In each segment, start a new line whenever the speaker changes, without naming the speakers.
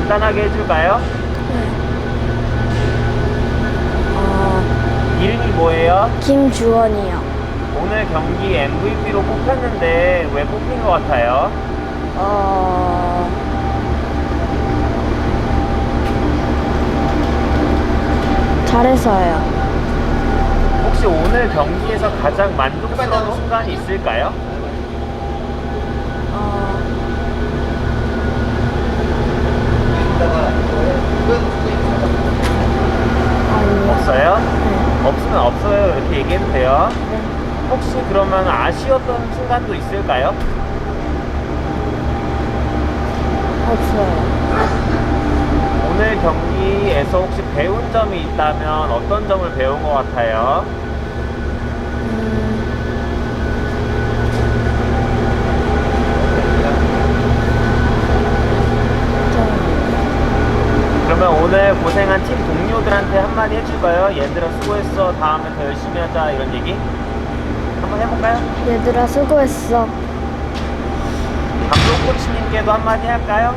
간단하게 해줄까요? 이름이 뭐예요?
김주원이요.
오늘 경기 MVP로 뽑혔는데 왜 뽑힌 것 같아요?
잘해서요.
혹시 오늘 경기에서 가장 만족스러운 순간이 있을까요?
아니요.
없어요?
네.
없으면 없어요 이렇게 얘기해도 돼요.
네.
혹시 그러면 아쉬웠던 순간도 있을까요?
없어요.
오늘 경기에서 혹시 배운 점이 있다면 어떤 점을 배운 것 같아요? 그러면 오늘 고생한 팀 동료들한테 한마디 해줄까요? 얘들아 수고했어, 다음에 더 열심히 하자, 이런 얘기 한번 해볼까요?
얘들아 수고했어.
감독 코치님께도 한마디 할까요?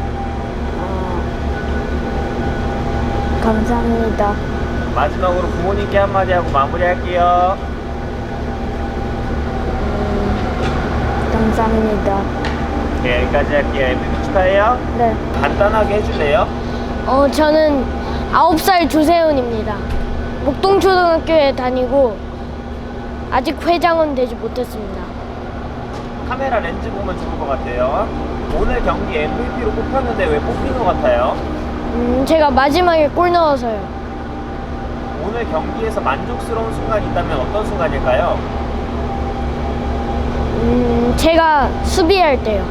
감사합니다.
마지막으로 부모님께 한마디 하고 마무리할게요.
감사합니다.
네, 여기까지 할게요. MVP 축하해요.
네.
간단하게 해줄래요?
저는 9살 조세훈입니다. 목동초등학교에 다니고 아직 회장은 되지 못했습니다.
카메라 렌즈 보면 좋을 것 같아요. 오늘 경기 MVP로 뽑혔는데 왜 뽑힌 것 같아요?
제가 마지막에 골 넣어서요.
오늘 경기에서 만족스러운 순간이 있다면 어떤 순간일까요?
제가 수비할 때요.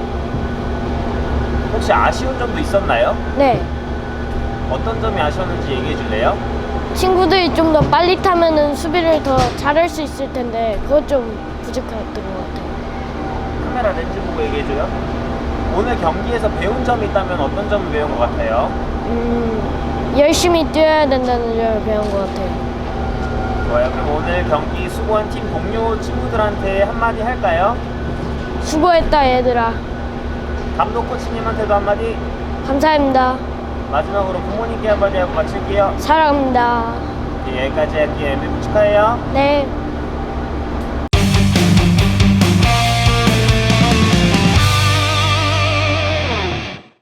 혹시 아쉬운 점도 있었나요?
네.
어떤 점이 아쉬웠는지 얘기해 줄래요?
친구들이 좀 더 빨리 타면은 수비를 더 잘할 수 있을 텐데 그것 좀 부족했던 것 같아요.
카메라 렌즈 보고 얘기해 줘요. 오늘 경기에서 배운 점이 있다면 어떤 점을 배운 것 같아요?
열심히 뛰어야 된다는 점을 배운 것 같아요.
좋아요. 그럼 오늘 경기 수고한 팀 동료 친구들한테 한마디 할까요?
수고했다 얘들아.
감독 코치님한테도 한마디,
감사합니다.
마지막으로 부모님께 한마디 하고 마칠게요.
사랑합니다.
네, 여기까지 할게요. MVP 축하해요.
네.